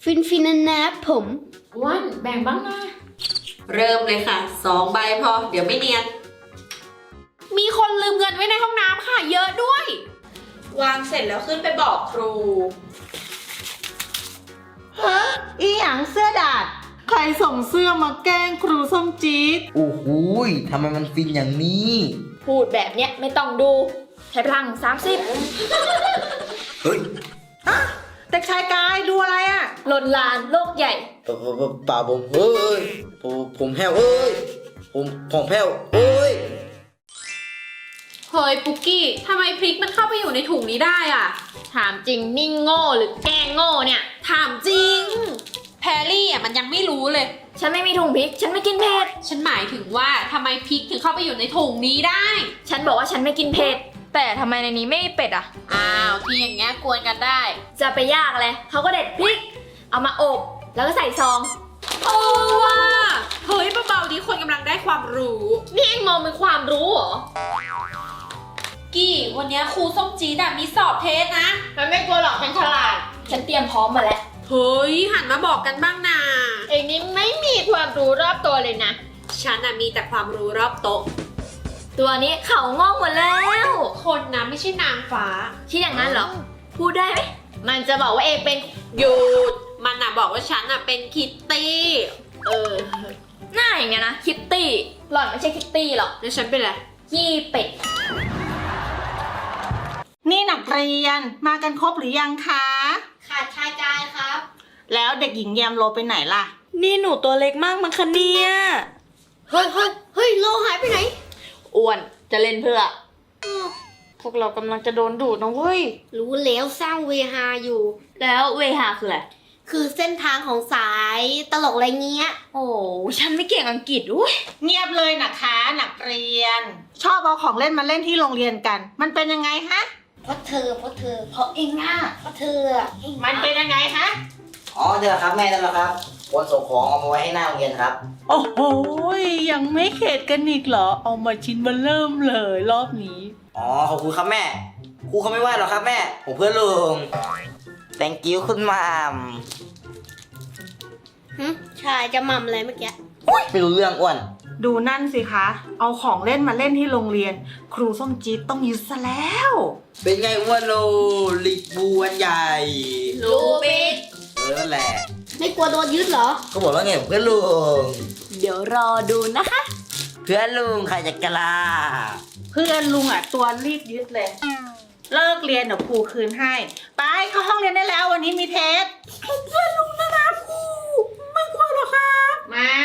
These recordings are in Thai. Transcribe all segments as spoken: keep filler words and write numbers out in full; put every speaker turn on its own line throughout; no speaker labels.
ฟินฟินนะนะผม
อ้วนแบ่งบ้างนะ
เริ่มเลยค่ะสองใบพอเดี๋ยวไม่เนียน
มีคนลืมเงินไว้ในห้องน้ำค่ะเยอะด้วย
วางเสร็จแล้วขึ้นไปบอกครู
ฮะอีหยังเสื้อดาดใครส่งเสื้อมาแกล้งครูส้มจี๊ด
โอ้โหยทำไมมันฟินอย่างนี้
พูดแบบเนี้ยไม่ต้องดูใช้พลังสามสิบ
เฮ้ย
อะเด็กชายกายดูอะไรอะ
ลนลานโลกใหญ่
เปล่าเปล่าเปล่าผมเอ้ยผมผมแพ้วเอ้ยผมผมแพ้วเอ้ย
เฮ้ยปุกกี้ทำไมพริกมันเข้าไปอยู่ในถุงนี้ได้อ่ะ ถามจริงนิ่งโง่หรือแกล้งโง่เนี่ย ถามจริง แพรรี่อ่ะมันยังไม่รู้เลย ฉันไม่มีถุงพริก ฉันไม่กินเผ็ด ฉันหมายถึงว่าทำไมพริกถึงเข้าไปอยู่ในถุงนี้ได้ ฉันบอกว่าฉันไม่กินเผ็ด แต่ทำไมในนี้ไม่มีเป็ดอ่ะ อ้าวที่อย่างเงี้ยกวนกันได้ จะไปยากเลยเขาก็เด็ดพริก เอามาอบแล้วก็ใส่ซองโอ้ว่ะเฮ้ยเบาๆดีคนกำลังได้ความรู้ นี่เองมองเป็นความรู้เหรอ กี่วันนี้ครูส้มจี๊ดมีสอบเทสนะมันไม่กลัวหรอกฉันฉลาด ฉันเตรียมพร้อมมาแล้ว เฮ้ยหันมาบอกกันบ้างนะเองนี่ไม่มีความรู้รอบตัวเลยนะ ฉันมีแต่ความรู้รอบโต๊ะ ตัวนี้เขางอกหมดแล้ว คนนะไม่ใช่นางฟ้าที่อย่างนั้นเหรอ พูดได้ไหม มันจะบอกว่าเองเป็นหยุดมันน่ะบอกว่าฉันน่ะเป็นคิตตี้ เออหน้าอย่างเงี้ยนะคิตตี้หล่อนไม่ใช่คิตตี้หรอกแล้วฉันเป็นอะไรยี่เป็ด
นี่นักเรียนมากันครบหรือยังคะ
ขาดชายกายครับ
แล้วเด็กหญิงแยมโลไปไหนล่ะ
นี่หนูตัวเล็กมากมั้งคะเนี่ย
เฮ้ยเฮ้ยเฮ้ยโลหายไปไหน
อ้วนจะเล่นเพื่อ พวกเรากำลังจะโดนดูดนะเว้ย
รู้แล้วสร้างเวฮาอยู่
แล้วเวหาคืออะไร
คือเส้นทางของสายตลกอะไรเงี้ย
โอ้ฉันไม่เก่งอังกฤษอุ้ย
เงียบเลยนะคะนักเรียน ชอบเอาของเล่นมาเล่นที่โรงเรียนกัน มันเป็นยังไงฮะ
เพราะเธอเพราะเธอเพราะเองอ่ะเพราะเธออะเอง
มันเป็นยังไงฮะ
อ๋อเดี๋ยวครับแม่นั่นแหละครับวันส่งของเอามาไว้ให้หน้าโรงเรียนครับ
โอ้โหยังไม่เข็ดกันอีกเหรอ เอามาชิ้นมาเริ่มเลยรอบนี้
อ๋อขอบคุณครับแม่ครูเขาไม่ว่าหรอกครับแม่ผมเพื่อนลุง thank you คุณมาม
หึชายจะหม่ำอะไรเมื่อกี้
ไม่รู้เรื่องอ้วน
ดูนั่นสิคะ เอาของเล่นมาเล่นที่โรงเรียน ครูส้มจี๊ดต้องยึดซะแล้ว
เป็นไงอ้วนโลลิกบูอันใหญ่
ลูบิก
เออนั่นแหละ
ไม่กลัวโดนยึดเหรอ
ก็บอกว่าไงเพื่อนลุง
เดี๋ยวรอดูนะคะ
เพื่อนลุงใครจะกล้า
เพื่อนลุงอ่ะตัวรีบยึดเลย เลิกเรียนเดี๋ยวครูคืนให้ ไปเข้าห้องเรียนได้แล้ววันนี้มีเทสเพื่อนลุงนะนะครูไม่กลัวหรอครับไม่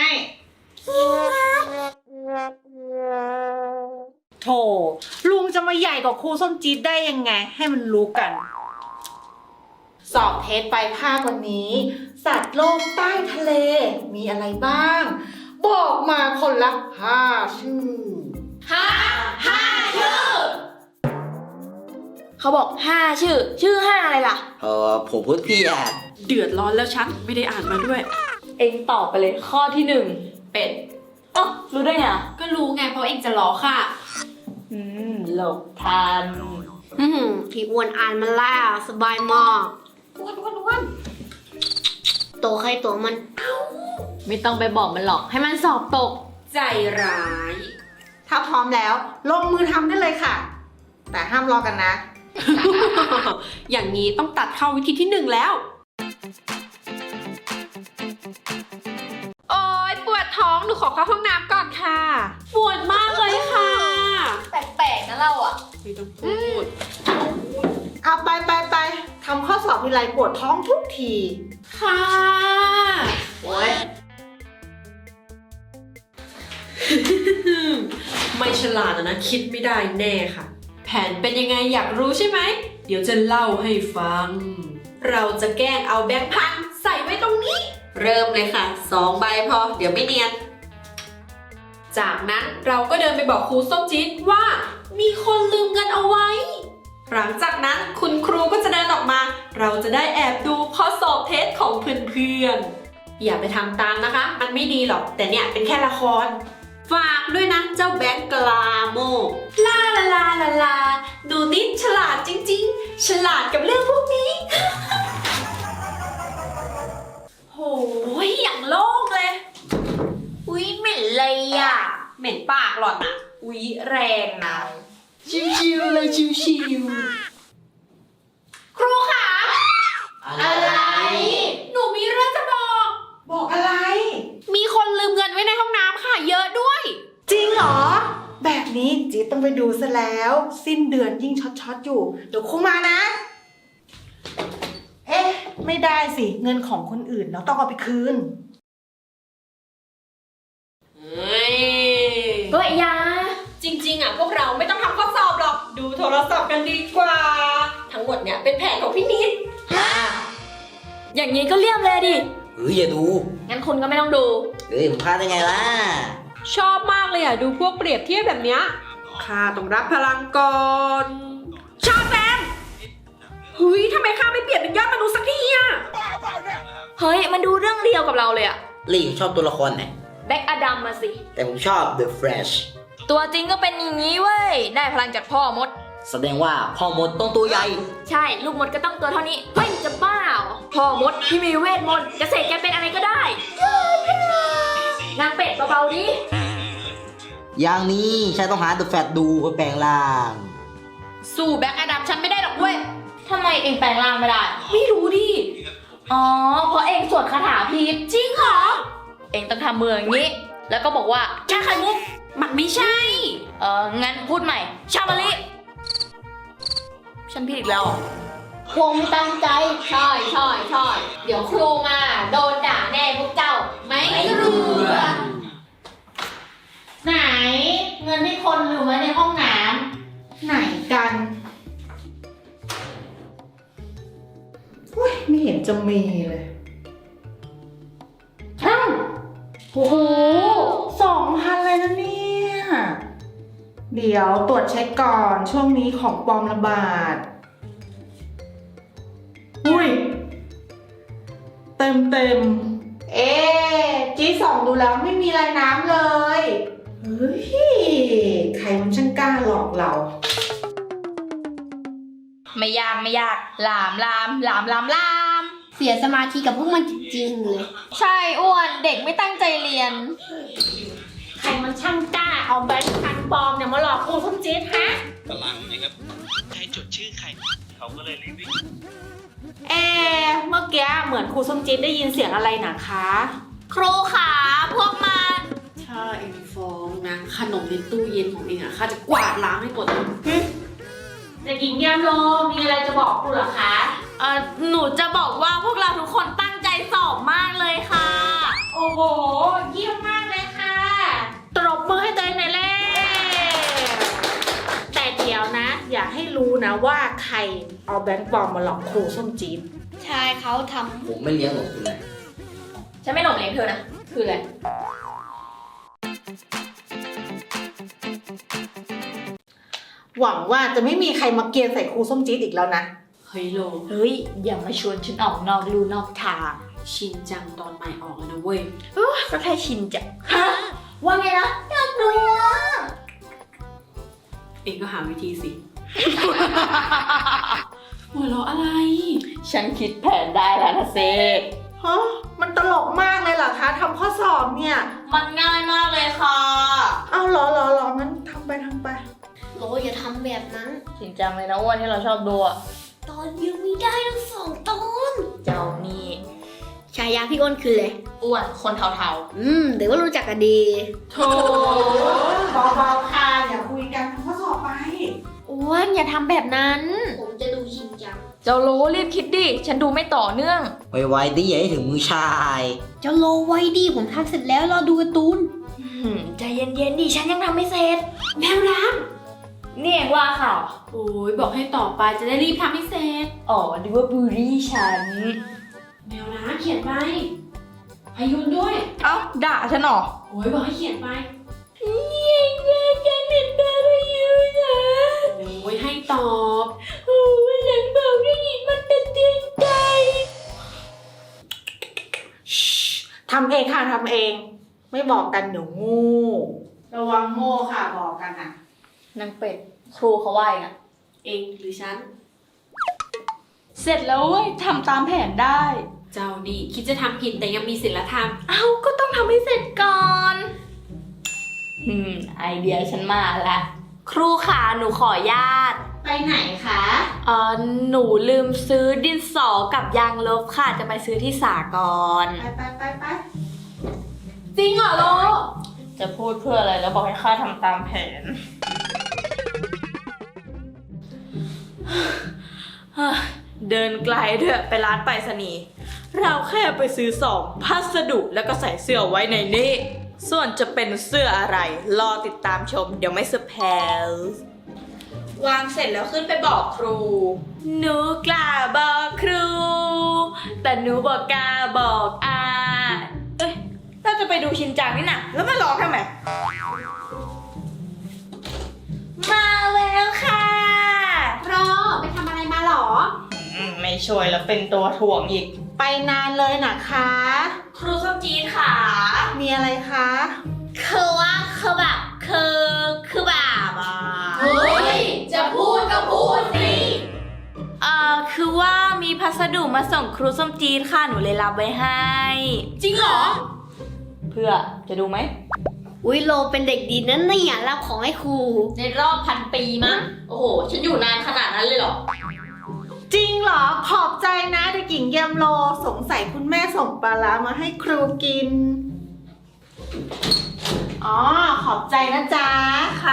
โถลุงจะมาใหญ่กว่าครูส้มจี๊ดได้ยังไง ให้มันรู้กัน สอบเทสไปภาควันนี้ สัตว์โลกใต้ทะเล มีอะไรบ้าง บอกมาคนละห้าชื่อ
ห้าห้าชื่อ
เขาบอกห้าชื่อ ชื่อห้าอะไรล่ะ
เออผมพูดผิด
เดือดร้อนแล้วฉันไม่ได้อ่านมาด้วย
เองตอบไปเลยข้อที่หนึ่ง
เป็ด
อ๋อรู้ได้ไงอ่ะ
ก็รู้ไงเพราะเองจะล้อค่ะ
อืมหลบทัน
อือหือพี่อ้วนอ่านมาแล้วสบายมาก
อ้วนอ้วนอ้วน
ตัวใครตัวมัน
ไม่ต้องไปบอกมันหรอกให้มันสอบตก
ใจร้าย
ถ้าพร้อมแล้ว ลงมือทำได้เลยค่ะ แต่ห้ามรอกันนะ
อย่างนี้ต้องตัดเข้าวิธีที่หนึ่งแล้ว โอ๊ยปวดท้องหนูขอเข้าห้องน้ำก่อนค่ะ ปวดมากเลยค่ะ
แปลกๆนะเราอ่ะ
ไม่ต้องพูด
เอาไปไปไปทำข้อสอบทีไรปวดท้องทุกที
ค่ะ
โอ๊ย
ไม่ฉลาดนะคิดไม่ได้แน่ค่ะ แผนเป็นยังไงอยากรู้ใช่ไหม เดี๋ยวจะเล่าให้ฟัง เราจะแกล้งเอาแบงค์พันใส่ไว้ตรงนี้
เริ่มเลยค่ะสองใบพอเดี๋ยวไม่เนียน
จากนั้นเราก็เดินไปบอกครูส้มจี๊ดว่ามีคนลืมเงินเอาไว้ หลังจากนั้นคุณครูก็จะเดินออกมา เราจะได้แอบดูข้อสอบเทสของเพื่อนๆ อย่าไปทำตามนะคะ มันไม่ดีหรอก แต่เนี่ยเป็นแค่ละคร ฝากด้วยนะเจ้าแบงค์กลาโมลาลาลาลาลาดูนิดฉลาดจริงๆ ฉลาดกับเรื่องพวกนี้
อุ๊ยเหม็นเลยอ่ะ
เหม็นปากหล่อนอะอุ๊ยแรงนะ
ชิวๆเลยชิว
ครูคะ
อะไร
หนูมีเรื่องจะบอก
บอกอะไร
มีคนลืมเงินไว้ในห้องน้ำค่ะ เยอะด้วย
จริงเหรอ แบบนี้จี๊ดต้องไปดูซะแล้ว สิ้นเดือนยิ่งช็อตๆอยู่ เดี๋ยวครูมานะ เอ๊ะ ไม่ได้สิ เงินของคนอื่นเราต้องเอาไปคืน
เฮ้ย
ๆก็ยา
จริงๆอ่ะพวกเราไม่ต้องทำข้อสอบหรอก ดูโทรศัพท์กันดีกว่า ทั้งหมดเนี่ยเป็นแผนของพี่นิด
อย่างนี้ก็เลี่ยมเลยดิ
เฮ้ยอย่าดู
งั้นคุณก็ไม่ต้องดู
เฮ้ยผมพลาดได้ไงล่ะ
ชอบมากเลยอ่ะ ดูพวกเปรียบเทียบแบบเนี้ยข้าต้องรับพลังก่อนชาแซมเฮ้ยทำไมข้าไม่เปลี่ยนเป็นยอดมนุษย์สักทีอ่ะ
เฮ้ย มันดูเรื่องเดียวกับเราเลยอะ
ลี่ชอบตัวละครไหน
แบ็กอดัมมาสิ
แต่ผมชอบ The Flash
ตัวจริงก็เป็นอย่างนี้เว้ย ได้พลังจากพ่อมด
แสดงว่าพ่อมดต้องตัวใหญ่
ใช่ ลูกมดก็ต้องตัวเท่านี้ เฮ้ย จะบ้าเหรอพ่อมดที่มีเวทมนต์จะเสกแกเป็นอะไรก็ได้นางเป็ดเบาๆดิ
อย่างนี้ฉันต้องหา The Flash ดูเพื่อแปลงร่าง
สู้แบ็คอดัมฉันไม่ได้หรอกเว้ย
ทำไมเองแปลงร่างไม่ได้
ไม่รู้ดิ
อ๋อ เพราะเองสวดคาถาผิดจริงเหรอ เองต้องทำมืออย่างนี้ แล้วก็บอกว่าชาไข่มุก
มันไม่ใช่
เอองั้นพูดใหม่ ชามะลิ ฉันผิดอีกแล้วเหรอ
คงไม่ตั้งใจ
ใช่ใช่ใช่เดี๋ยวครูมาโดนด่าแน่พวกเจ้า ไม่รู้
ไหน เงินที่คนลืมไว้ในห้องน้ำไหนกันอุ้ยไม่เห็นจะมีเลยอ้าวโอ้โหสองพันเลยนะเนี่ย เดี๋ยวตรวจเช็คก่อนช่วงนี้ของปลอมระบาด อุ้ย เต็มเต็มๆเอ๊ะจีสองดูแล้วไม่มีลายน้ำเลย เฮ้ย ใครมันช่างกล้าหลอกเรา
ไม่ยากไม่ยาก ลามลามลามลามลาม
เสียสมาธิกับพวกมันจริงๆเลย
ใช่อ้วนเด็กไม่ตั้งใจเรียน
ใครมันช่างกล้าเอาแบงค์พันปลอมเนี่ยมาหลอกครูส้มจี๊ดฮะ
พลังนะครับใครจดชื่อใคร เขาก็เลยรีบวิ่ง
เอ๊ะเมื่อกี้เหมือนครูส้มจี๊ดได้ยินเสียงอะไรนะคะ
ครูขาพวกมัน
ถ้าเองฟ้องนะ ขนมในตู้เย็นของเองอะข้าจะกวาดล้างให้หมดเลย
เด็กหญิงยามโลมีอะไรจะบอกครูเหรอคะ
เออหนูจะบอกว่าพวกเราทุกคนตั้งใจสอบมากเลยค่ะ
โอ้โห เยี่ยมมากเลยค่ะ ตรบมือให้ตัวเองหน่อยแล้วแต่เดี๋ยวนะ อย่าให้รู้นะว่าใครเอาแบงค์ปลอมมาหลอกครูส้มจี๊ด
ใช่เขาท
ผมไม่เลี้ยงหรอกคุณเลย
ฉันไม่หลงเลี้ยงเธอนะ คืออะไร
หวังว่าจะไม่มีใครมาเกลียนใส่ครูส้มจี๊ดอีกแล้วนะ
เฮ้ยโล
เฮ้ย อย่ามาชวนฉันออกนอกลู่นอกทาง
ชินจังตอนใหม่ออกแล้วนะเว้ย
ก็แค่ชินจ้ะฮะว่าไงนะอยากดูอ่ะ
เองก็หาวิธีสิ หัวเราะอะไร
ฉันคิดแผนได้แล้วนะเซ
ฮะ มันตลกมากเลยเหรอคะทำข้อสอบเนี่ย
มันง่ายมากเลยค่ะ
เอาเหรอเหรอเหรองั้นทำไปทำไป
ำโลอย่าทำแบบนั้น
จริงจังเลยนะอ้วนที่เราชอบดูอ่ะ
ตอนยังไม่ได้ทั้งสองตอน
เจ้านี่
ฉายาพี่อ้นคือเลย
อ้วนคนเทา
อืมเดี๋ยวว่ารู้จักกันดี
โถ
เบาๆค่ะอย่าคุยกันทำข้อสอบไป
ๆอ้วนอย่าทำแบบนั้น
ผมจะดูชินจัง
เจ้าโลรีบคิดดิ ฉันดูไม่ต่อเนื่อง
ไวๆดิอย่าให้ถึงมือชาย
เจ้าโลไว้ดีผมทำเสร็จแล้วรอดูการ์ตูน
หืมใจเย็นๆดิ ฉันยังทำไม่เสร็จ
แมวน้
นี่เองว่าค่ะ
ำโอ้ยบอกให้ต่อไปจะได้รีบทำให้เสร็จ
อ๋อดูว่าบูรี่ฉัน
แมวน้ำเขียนไปพายุนด้วย
เอ้าด่าฉันเหรอ
โอ้ยบอกให้เขียนไป
ยังไงฉันเห็นด่าพยูนะ
โอ้ยให้ตอบ
โอ้ยฉันบอกได้ยินมันเป็นเตือนใจ
ทำเองค่ะทำเอง ไม่บอกกันเดี๋ยวโงูระวังโง่ค่ะบอกกันนะ
นางเป็ด ครูเขาว่าอย่างอ่ะ
เองหรือฉัน
เสร็จแล้วเว้ยทำตามแผนได้
เจ้านี่คิดจะทำผิดแต่ยังมีศีลธรรม
เอ้าก็ต้องต้องทำให้เสร็จก่อนอืมไอเดียฉันมาแล้วครูขาหนูขอญาต
ไปไหนคะ
เออหนูลืมซื้อดินสอกับยางลบค่ะจะไปซื้อที่สากล
ไปไปไปไป
จริงเหรอโล
จะพูดเพื่ออะไรแล้วบอกให้ข้าทำตามแผน
เดินไกลด้วยไปร้านไปรษณีย์เราแค่ไปซื้อสองพัสดุแล้วก็ใส่เสื้อไว้ในนี้ ส่วนจะเป็นเสื้ออะไร รอติดตามชมเดี๋ยวไม่เซอร์ไพรส์วางเสร็จแล้วขึ้นไปบอกครู หนูกล้าบอกครู แต่หนูบอกกล้าบอกอาเอ้ยเราจะไปดูชินจังนี่นะแล้วมาร้องทำไม มาแล้วค่ะ
รอไปทำอะไรมาหรอ
ไม่ช่วยแล้วเป็นตัวถ่วงอีก
ไปนานเลยนะคะ
ครูส้มจีนค่ะ
มีอะไรคะ
คือว่าคือแบบคือคือแบบอ่ะ
เฮ้ย จะพูดก็พูดสิเอ่อคือว่ามีพัสดุมาส่งครูส้มจีนค่ะหนูเลยรับไว้ให้ จริงเหรอ เพื่อจะดูไหม
อุ้ยโลเป็นเด็กดีนั่นเนี่ยรับของให้ครู
ในรอบพันปีมั้ง โอ้โห ฉันอยู่นานขนาดนั้นเลยเหรอ
จริงเหรอ ขอบใจนะเด็กหญิงแยมโล สงสัยคุณแม่ส่งปลาร้ามาให้ครูกิน อ๋อ ขอบใจนะจ๊ะ
ค่ะ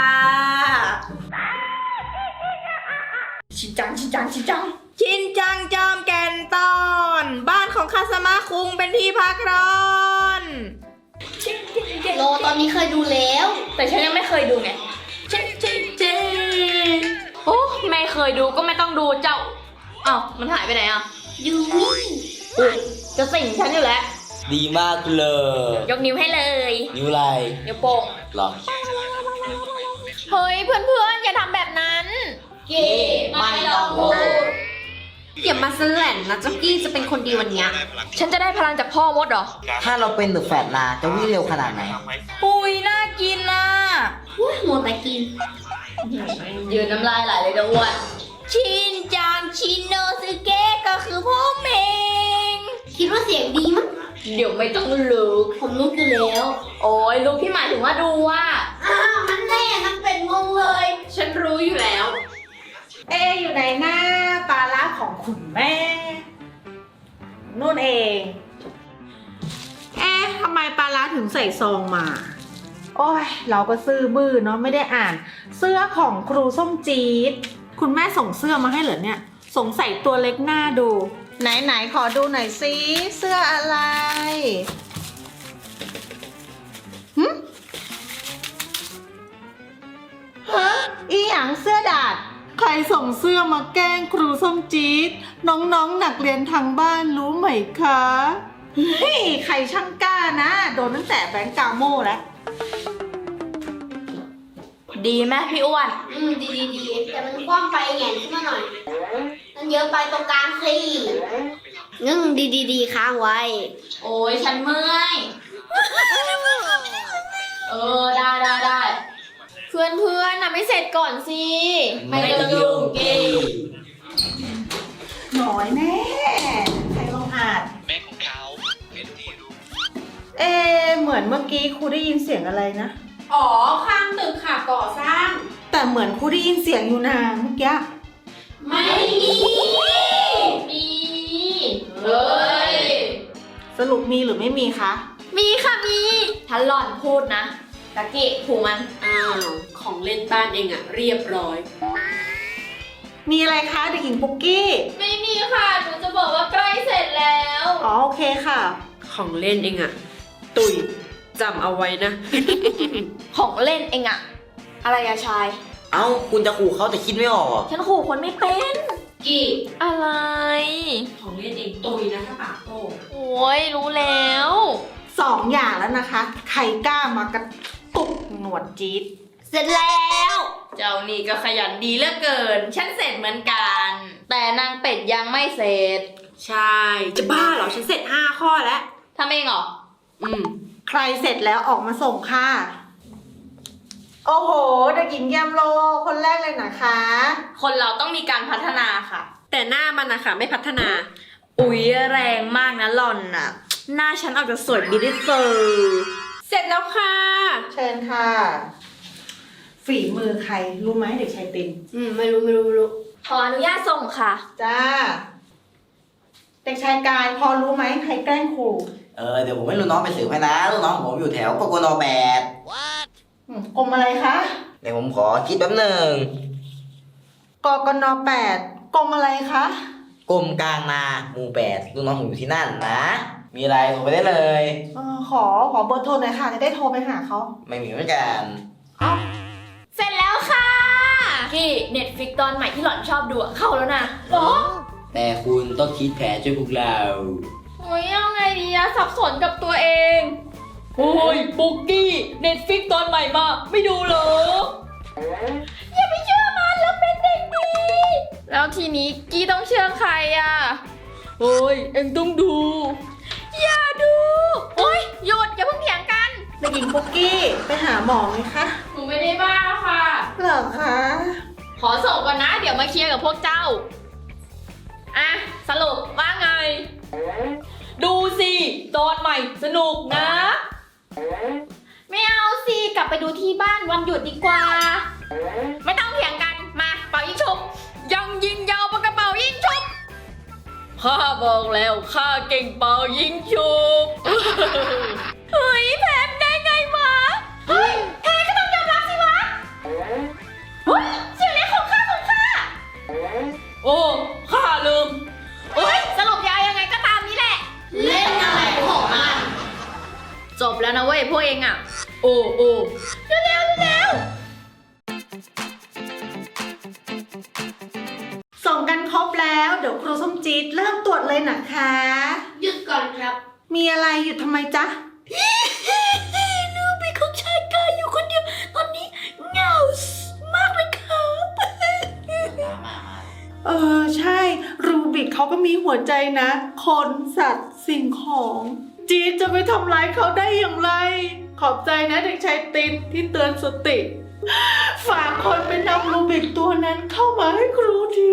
ชินจัง ชินจัง ชินจัง
ชินจังจอมแก่นตอน บ้านของคาสมาคุงเป็นที่พักร้อน
โลตอนนี้เคยดูแล้ว
แต่ฉันยังไม่เคยดูไงเจ๊เจ๊เจ๊โอ้ไม่เคยดูก็ไม่ต้องดูเจ้าอ้าวมันหายไปไหนอ่ะ
อยู่นี่
อุ๊ยจะสิ่งฉันอยู่แล้ว
ดีมากเลย
ยกนิ้วให้เลย
นิ้วอะไร
นิ้วโป้ง
หรอ
เฮ้ย เพื่อนๆ อย่าทำแบบนั้น
เก๋ไม่ต้องพูดอย่ามาแสลนนะจ็อกกี้จะเป็นคนดีวันเนี้ย
ฉันจะได้พลังจากพ่อมดเหรอ
ถ้าเราเป็นเดอะแฟตนาจะวิ่งเร็วขนาดไหน
อุ้ยน่ากินน่ะ
อุ้ยมัวแต่กิน
ยืนน้ำลายไหลเลยนะอ้วนชินจังชินโนซึเกะก็คือพ่อเมง
คิดว่าเสียงดีมั้ง
เดี๋ยวไม่ต้องลุก
ผมรู้อยู่แล้ว
โอ้ยลุกที่หมายถึงว่าดูว่า
อ้าวมันแน่นังเป็นงงเลย
ฉันรู้อยู่แล้ว
เออยู่ไหนหน้าปลาร้าของคุณแม่ นู่นเอง เอ๊ะทำไมปลาร้าถึงใส่ซองมา โอ้ย เราก็ซื่อบื้อเนาะไม่ได้อ่าน เสื้อของครูส้มจี๊ดคุณแม่ส่งเสื้อมาให้เหรอเนี่ย สงสัยตัวเล็กหน้าดู ไหนไหนขอดูหน่อยซิเสื้ออะไรหึฮะอีหยังเสื้อดาด ใครส่งเสื้อมาแกล้งครูส้มจี๊ดน้องๆหนักเรียนทางบ้านรู้ไหมคะเฮ้ยใครช่างกล้านะ โดนตั้งแต่แบงก์กาโม่แล้ว
ดีไหมพี่อ้วน
อืมดีดีดีแต่มันกว้างไปแหงนขึ้นมาหน่อยมันเยอะไปตรงกลางสิงึ่งดีดีดีค้างไว้
โอ้ยฉันเมื่อย เออ ได้ได้ได้ เพื่อนเพื่อนๆนะไม่เสร็จก่อนสิ
ไม่ต้องยุ่งกี้
หน่อยแน่ใครลองอ่าน
แม่ของเขาเป็นที่รู้
เอ๊ะเหมือนเมื่อกี้ครูได้ยินเสียงอะไรนะ
อ๋อ ข้างตึกค่ะก่อสร้าง
แต่เหมือนครูได้ยินเสียงอยู่นะเมื่อกี้
ไม่มีมีเฮ้ย
สรุปมีหรือไม่มีคะ
มีค่ะมีถ้าหล่อนพูดนะตะเกะผูมัน
อ้าว ของเล่นบ้านเองอะเรียบร้อย
มีอะไรคะเด็กหญิงปุ๊กกี้
ไม่มีค่ะ หนูจะบอกว่าใกล้เสร็จแล้ว
อ๋อโอเคค่ะ
ของเล่นเองอะตุยจำเอาไว้นะ
ของเล่นเองอะอะไรอะชาย
เอ้า คุณจะขู่เขาแต่คิดไม่ออกเหรอ
ฉันขู่คนไม่เป็น
กี่
อะไร
ของเล่นเองตุยนะถ้าปากโต
โอ้ยรู้แล้ว
สองอย่างแล้วนะคะ ใครกล้ามากระตุกหนวดจี๊ด
เสร็จแล้ว
เจ้านี่ก็ขยันดีเหลือเกิน ฉันเสร็จเหมือนกัน แต่นางเป็ดยังไม่เสร็จ
ใช่ จะบ้าเหรอ ฉันเสร็จห้าข้อแล้ว
ทำเองเหรอ
อืม
ใครเสร็จแล้วออกมาส่งค่ะ โอ้โหเด็กหญิงแยมโลคนแรกเลยนะคะ
คนเราต้องมีการพัฒนาค่ะ
แต่หน้ามันนะคะไม่พัฒนา
อุ๊ยแรงมากนะหล่อนน่ะ หน้าฉันออกจะสวยบิวตี้เซอร์
เสร็จแล้วค่ะ
เชิญค่ะ ฝีมือใครรู้ไหมเด็กชายติน
อืม ไม่รู้ไม่รู้ไม่รู้
ขออนุญาตส่งค่ะ
จ้า เด็กชายกายพอรู้ไหมใครแกล้งครู
เออเดี๋ยวผมให้ลูกน้องไปสืบให้นะลูกน้องผมอยู่แถวกกนแปด
อืมกรมอะไรคะ
เดี๋ยวผมขอคิดแป๊บหนึ่ง
กกนแปดกรมอะไรคะ
กรมกลางนาหมู่แปดลูกน้องผมอยู่ที่นั่นนะ มีอะไรโทรไปได้เลย
เออขอขอเบอร์โทรหน่อยค่ะจะได้โทรไปหาเขา
ไม่มีเหมือนกัน
เสร็จแล้วค่ะ กี้เน็ตฟิกตอนใหม่ที่หล่อนชอบดูอะเข้าแล้วนะโอ้
แต่คุณต้องคิดแผนช่วยพวกเรา
โอ้ยเอาไงดีอะสับสนกับตัวเองโอ้ยปุกกี้เน็ตฟิกตอนใหม่มาไม่ดูเหรอ อย่าไปเชื่อมันแล้วเป็นเด็กดี แล้วทีนี้กี้ต้องเชื่อใครอะโอ้ยเอ็งต้องดู อย่าดู โอ้ยหยุดอย่าเพิ่งเถียงกัน
เด็กหญิงปุ๊กกี้ไปหาหมอไหมคะ
หนูไม่ได้บ้าค่ะ
เหรอคะ
ขอส่งก่อนนะ เดี๋ยวมาเคลียร์กับพวกเจ้า อ่ะ สรุปว่าไง ดูสิตอนใหม่สนุกนะ ไม่เอาสิ กลับไปดูที่บ้านวันหยุดดีกว่า ไม่ต้องเถียงกัน มาเป่ายิงฉุบยังยิงยาวปากกระเป๋ายิงฉุบข้าบอกแล้วข้าเก่งเป่ายิงฉุบ เฮ้ยแพ้ได้ไงวะ เฮ้ยแพ้ก็ต้องยอมรับสิวะ เฮ้ยเสียงเล็กของข้าของข้า โอ้ ข้าลืมเฮ้ย สรุปยาวยังไงก็ตามนี้แหละ
เล่นอะไรของมัน
จบแล้วนะเว้ยพวกเองอ่ะ โอ้โอ้เร็วเร็วเร็ว
ส่งกันครบแล้วเดี๋ยวครูส้มจี๊ดเริ่มตรวจเลยนะคะ
หยุดก่อนครับ
มีอะไรหยุดทำไมจ๊ะ
นูเป็นของชายกายอยู่คนเดียว ตอนนี้เหงามากเลยครับ
เออใช่รูบิกเขาก็มีหัวใจนะ คนสัตว์สิ่งของ จี๊ดจะไปทำร้ายเขาได้อย่างไร ขอบใจนะเด็กชายตินที่เตือนสติ ฝากคนไปนำรูบิกตัวนั้นเข้ามาให้ครูที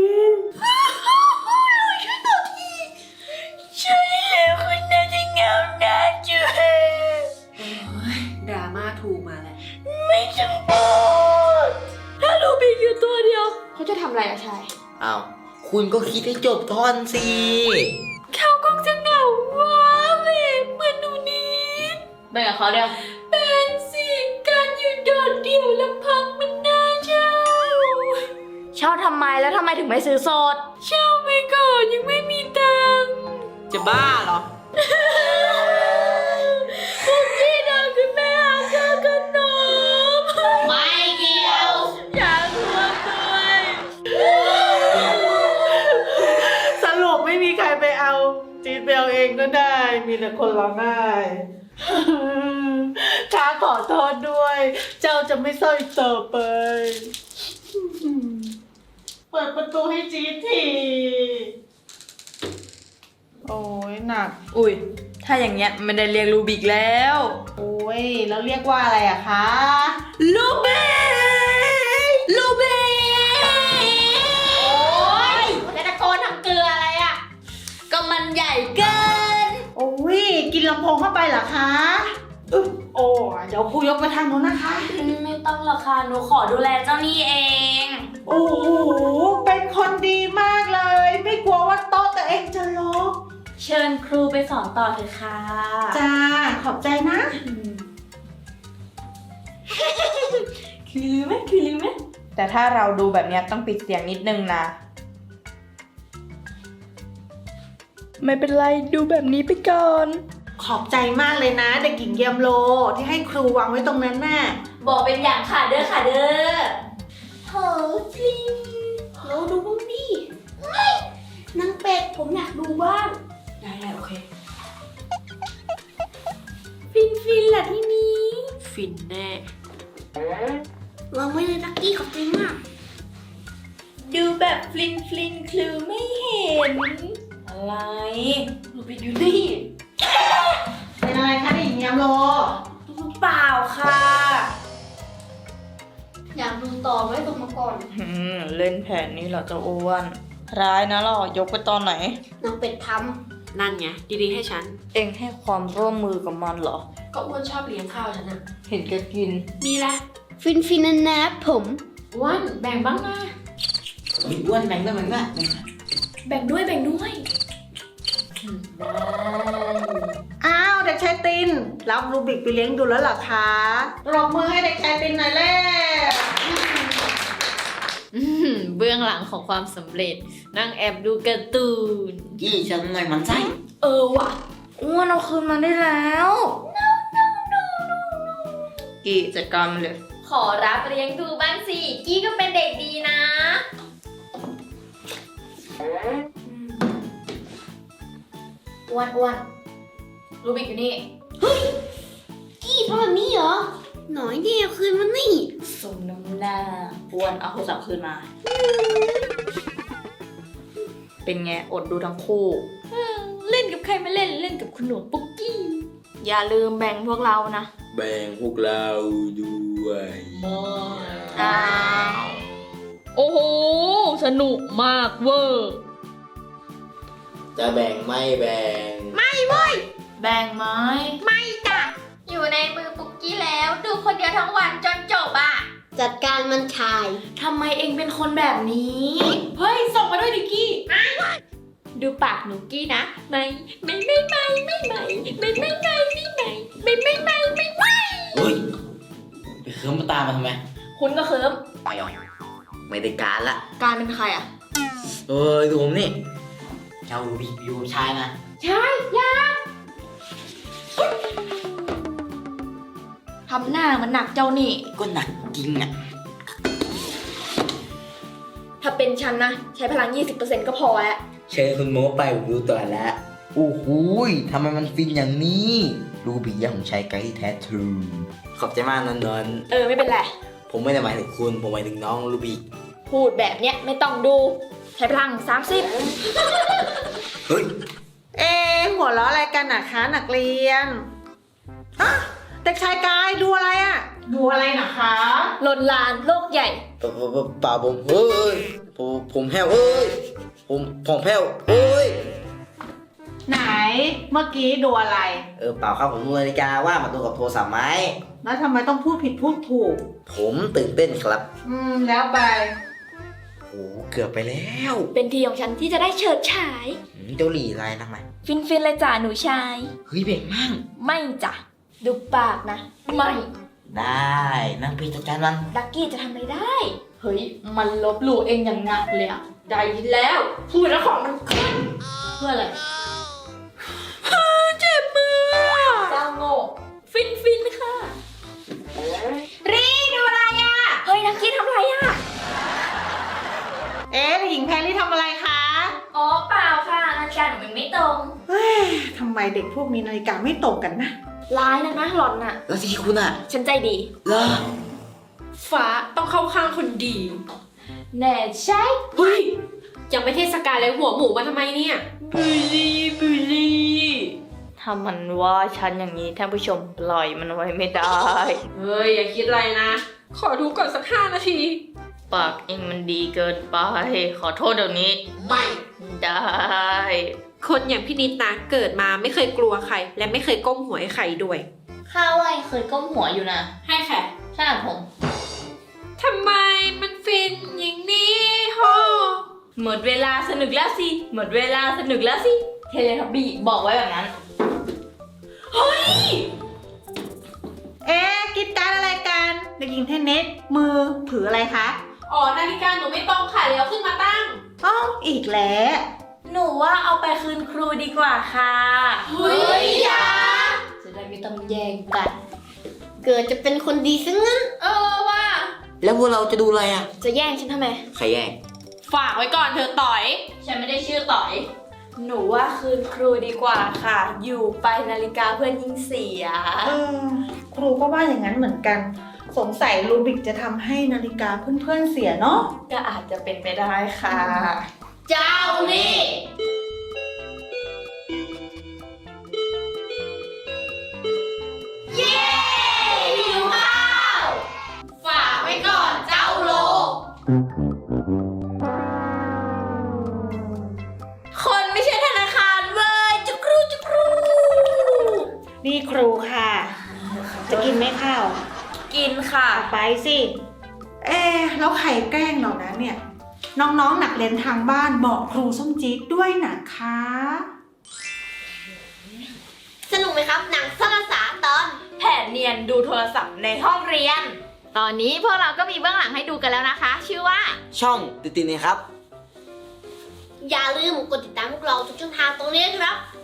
ใช่แล้วคนน่าจะเหงาหน้าจืด
ดราม่าถูกมาแล้ว
ไม่จำเป็นถ้าลูบิกอยู่ตัวเดียว เขาจะทำอะไรอะชาย
อ้าว คุณก็คิดให้จบท่อนสิ
เขาคงจะเหงาว้าเหวเหมือนหนูนิดเป็นกับเขาเดียวเป็นสิการอยู่โดดเดี่ยวลำพังมันน่าเช่า
เช่าทำไมแล้วทำไมถึงไม่ซื้อสด
เช่าไปก่อนยังไม่มีตังค์
จะบ้าเหรอ
พวกพี่ดังคือแม่อาเธอขนม
ไม่เกี่ยว
อยากรวมด้วย
สรุปไม่มีใครไปเอา จี๊ดไปเอาเองก็ได้ มีแต่คนร้องไห้ ข้าขอโทษด้วย เจ้าจะไม่เศร้าอีกต่อไป เปิดประตูให้จี๊ดที โอ้ยหนัก
อุ้ย ถ้าอย่างเงี้ยไม่ได้เรียกรูบิกแล้ว
โอ้ย แล้วเรียกว่าอะไรอะคะ
ลูเบลูเบ
โอ๊ยแล้วตะโกนทำเกลืออะไรอ่ะ
ก็มันใหญ่เกิน
โอ้ย กินลำโพงเข้าไปเหรอคะอึ๊บโอ้เดี๋ยวครูยกไปทางโน้นนะคะ
ไม่ต้องหรอกค่ะ หนูขอดูแลเจ้านี่เอง
โอ้โห เป็นคนดีมากเลย ไม่กลัวว่าโต๊ะตัวเองจะลก
เชิญครูไปสอนต่อเถอะค่ะ
จ้า ขอบใจนะ
คือลืมไหมคือลืมไหม
แต่ถ้าเราดูแบบเนี้ยต้องปิดเสียงนิดนึงนะ
ไม่เป็นไรดูแบบนี้ไปก่อน
ขอบใจมากเลยนะ เด็กหญิงเยมโลที่ให้ครูวางไว้ตรงนั้นน่ะ
บอกเป็นอย่างค่ะเด้อค่ะเด้อ
เฮ้ยจริงเราดูบ้างดิเฮ้ยนางเป็ดผมอยากดูบ้าง
ได้ได้โอเค
ฟินฟินแหละที่นี้
ฟินแน่
วางไว้เลยลักกี้ขอบใจมาก
ดูแบบฟลินฟลินคลือไม่เห็น อะไรรูบิกอยู่นี่
เป็นอะไรคะเด็กหญิงเยมโล
เปล่าค่ะ
อยากดูต่อไว้ตรงมาก่อน
อืม เล่นแผนนี้เหรอเจ้าอ้วน
อ
ร้ายนะเรายกไปตอนไหน
นางเป็ดท
นั่นไงดีๆให้ฉัน
เองให้ความร่วมมือกับมันเหรอ
ก็อ้วนชอบเลี้ยงข้าวฉันอะ
เห็นแกกิน
มีละ
ำฟินฟินนะนะผม
อ้วนแบ่งบ้างนะ
มีอ้วนแบ่งด้วยแบ่งด้วย
แบ่งด้วยแบ่งด้วย
อ้าวเด็กชายตินรับรูบิกไปเลี้ยงดูแล้วเหรอคะปรบมือให้เด็กชายตินหน่อยเร็ว
อืมเบื้องหลังของความสำเร็จ นั่งแอบดูการ์ตูน
กี้ฉันหน่อยมันไส้
เออว่ะอ้วนเอาคืนมาได้แล้ว
กี่จัดการมันเลย
ขอรับเลี้ยงดูบ้างสิ กี้ก็เป็นเด็กดีนะ
อ้วนอ้วนรูบิกอยู่นี่
กี้ทำแบบนี้เหรอ หน่อยเดียวคืนมันนี่
สมน้ำหน้าอ้วนเอาโทรศัพท์คืนมา
เป็นไงอดดูทั้งคู่
เล่นกับใครไม่เล่นเล่นกับคุณหนูปุ๊กกี้
อย่าลืมแบ่งพวกเรานะ
แบ่งพวกเราด้วย
อ้าว
โอ้โห สนุกมากเวอร์
จะแบ่งไม่แบ่ง
แบ่งไหม
ไม่จ้ะ อยู่ในมือปุ๊กกี้แล้ว ดูคนเดียวทั้งวันจนจบอ่ะ
จัดการมันชาย
ทำไมเองเป็นคนแบบนี้ เฮ้ย ส่งมาด้วยดิกี้
ดูปากหนูกี้นะ ไม่ ไม่ไม่ไม่ไม่ไม่ไม่ไม่ไม่ไม่ไม่ไม่ไม่ไม่ไม่ไม่
เฮ้ยไปเคิร์มมาตามมาทำไม
คุณก็เคิม
ไม่เอาไม่ได้การละ
การเป็นใครอ่ะ
เอ้ยดูผมนี่เจ้ารูบิกอยู่ชายนะ
ใช่ยาทำหน้ามันหนักเจ้านี่
ก็หนักจริงอ่ะ
ถ้าเป็นฉันนะ ใช้พลัง ยี่สิบเปอร์เซ็นต์ ก็พอแล้ว
เชิญคุณโมไปผมดูต่อแล้วโอ้โหยทำไมมันฟินอย่างนี้รูบิกยังของชายไกด์ที่แท้ทรูขอบใจมากนนนน
เออ ไม่เป็นไร
ผมไม่ได้หมายถึงคุณ ผมหมายถึงน้องรูบิก
พูดแบบเนี้ยไม่ต้องดู ใช้พลัง สามสิบ
เฮ้ย
เอ๊ะหัวเราะอะไรกันนะคะนักเรียนอะเด็กชายกายดูอะไรอะดูอะไรนะคะ
ลนลานโลกใหญ่
เปล่าเปล่าเปล่าผมเฮ้ยผมผมแพ้วเอ้ยผมผมแพ้วเอ้ย
ไหนเมื่อกี้ดูอะไร
เออเปล่าครับผมดูนาฬิกาว่ามาดูกับโทรศัพท์ไหม
แล้วทำไมต้องพูดผิดพูดถูก
ผมตื่นเต้นครับ
อืมแล้วไป
โอ้เกือบไปแล้ว
เป็นทีของฉันที่จะได้เฉิดฉาย
อืมเจ้าหลี่อะไรนักไหม
ฟินฟินๆเลยจ้าหนูชาย
เฮ้ยเบ่งมั่ง
ไม่จ้ะ ดูปากนะ ไม่
ได้นั่งพีจัดการมัน
ดักกี้จะทำอะไรได้
เฮ้ย มันลบหลู่เองอย่างหนักเลยอะได้แล้ว พูดแล้วของมันขึ้น
เพื่ออะไร
เจ็บมือ
เจ้าโง่
ฟินฟินค่ะ
รีดูอะไรอ่ะ เฮ้ยดักกี้ทำอะไรอ่ะ
เอ๊ะหญิงแพรรี่ทำอะไรคะ
อ๋อเปล่าค่ะนาฬิกาหนูมันไม่ตรง
เฮ้ยทำไมเด็กพวกนี้นาฬิกาไม่ตรงกันนะ
ร้ายนะนะหล่อนน่ะ
แล้วที่คุณอ่ะ
ฉันใจดี
เหรอ
ฟ้าต้องเข้าข้างคนดี
แน่ใช่
เฮ้ย ยังไม่เทศกาลเลยหัวหมูมาทำไมเนี่ย
บุลีบุลีถ้ามันว่าฉันอย่างนี้ท่านผู้ชมปล่อยมันไว้ไม่ได้
เฮ้ย อย่าคิดอะไรนะ ขอดูก่อนสักห้านาที
ปากเองมันดีเกินไป ขอโทษเดี๋ยวนี้
ไม่
ได้
คนอย่างพี่นิดนะ เกิดมาไม่เคยกลัวใคร และไม่เคยก้มหัวให้ใครด้วย
ข้าวไอ้เคยก้มหัวอยู่นะ
ให้แค่
ใช่ผม
ทำไมมันฟินอย่างนี้ฮอ
หมดเวลาสนุกแล้วสิ หมดเวลาสนุกแล้วสิ เทเลทับบี้บอกไว้แบบนั้น
เอ๊ะกิจการอะไรกันเด็กหญิงเทนนิสมือถืออะไรคะ
อ๋อ นาฬิกาหนูไม่ตรงค่ะเลยเอาขึ้นมาตั้ง
อ๋ออีกแล้ว
หนูว่าเอาไปคืนครูดีกว่าค่ะ
เฮ้ยอยา
จะได้ไม่ต้องแย่งกัน
เกิดจะเป็นคนดีซะงั้น
เออว่า
แล้วพวกเราจะดูอะไรอ่ะ
จะแย่งฉันทำไม
ใครแย่ง
ฝากไว้ก่อนเธอต่อย
ฉันไม่ได้ชื่อต่อย
หนูว่าคืนครูดีกว่าค่ะ อยู่ไปนาฬิกาเพื่อนยิ่งเสีย
เออครูก็ว่าอย่างนั้นเหมือนกัน สงสัยรูบิกจะทำให้นาฬิกาเพื่อนๆเสียเนาะ
ก็อาจจะเป็นไปได้ค่ะ
เจ้านี่ เย้หิวข้าว ฝากไว้ก่อนเจ้าโลก
นี่ครูค่ะ จะกินไหมข้าว
กินค่ะ
เอาไปสิ เอ๊ะแล้วใครแกล้งเรานะเนี่ย น้องๆหนักเรียนทางบ้านบอกครูส้มจี๊ดด้วยนะคะ
สนุกไหมครับ หนังซ่อนภาษาตอน
แผนเนียนดูโทรศัพท์ในห้องเรียน
ตอนนี้พวกเราก็มีเบื้องหลังให้ดูกันแล้วนะคะ ชื่อว่า
ช่องติดติดนะครับ
อย่าลืมกดติดตามพวกเราทุกช่องทางตรงนี้นะครับ